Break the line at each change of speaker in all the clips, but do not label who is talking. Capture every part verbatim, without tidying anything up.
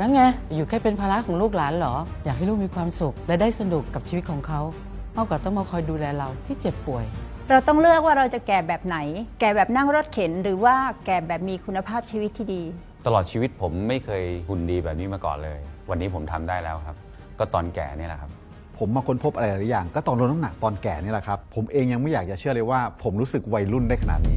แล้วไงอยู่แค่เป็นภาระของลูกหลานเหรออยากให้ลูกมีความสุขและได้สนุกกับชีวิตของเขามากกว่าต้องมาคอยดูแลเราที่เจ็บป่วย
เราต้องเลือกว่าเราจะแก่แบบไหนแก่แบบนั่งรถเข็นหรือว่าแก่แบบมีคุณภาพชีวิตที่ดี
ตลอดชีวิตผมไม่เคยหุ่นดีแบบนี้มาก่อนเลยวันนี้ผมทำได้แล้วครับก็ตอนแก่นี่แหละครับ
ผมมาค้นพบอะไรหลายอย่างก็ตอนลดน้ำหนักตอนแก่นี่แหละครับผมเองยังไม่อยากจะเชื่อเลยว่าผมรู้สึกวัยรุ่นได้ขนาดนี้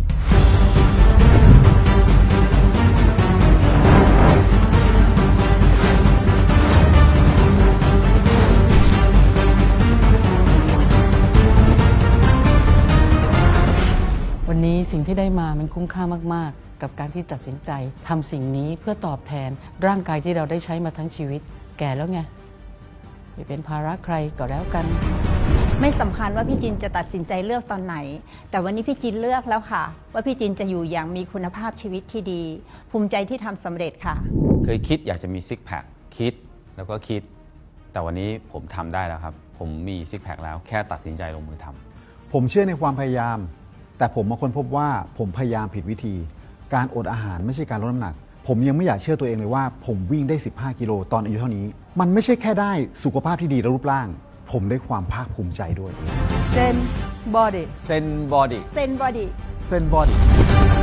วันนี้สิ่งที่ได้มามันคุ้มค่ามากๆกับการที่ตัดสินใจทำสิ่งนี้เพื่อตอบแทนร่างกายที่เราได้ใช้มาทั้งชีวิตแก่แล้วไงไม่เป็นภาระใครก็แล้วกัน
ไม่สำคัญว่าพี่จินจะตัดสินใจเลือกตอนไหนแต่วันนี้พี่จินเลือกแล้วค่ะว่าพี่จินจะอยู่อย่างมีคุณภาพชีวิตที่ดีภูมิใจที่ทำสำเร็จค่ะ
เคยคิดอยากจะมีซิกแพคคิดแล้วก็คิดแต่วันนี้ผมทำได้แล้วครับผมมีซิกแพคแล้วแค่ตัดสินใจลงมือทำ
ผมเชื่อในความพยายามแต่ผมมาค้นพบว่าผมพยายามผิดวิธีการอดอาหารไม่ใช่การลดน้ำหนักผมยังไม่อยากเชื่อตัวเองเลยว่าผมวิ่งได้สิบห้ากิโลตอนอายุเท่านี้มันไม่ใช่แค่ได้สุขภาพที่ดีและรูปร่างผมได้ความภาคภูมิใจด้วย
เซนบอดี้
เซนบอดี้
เซนบอดี้
เซนบอดี้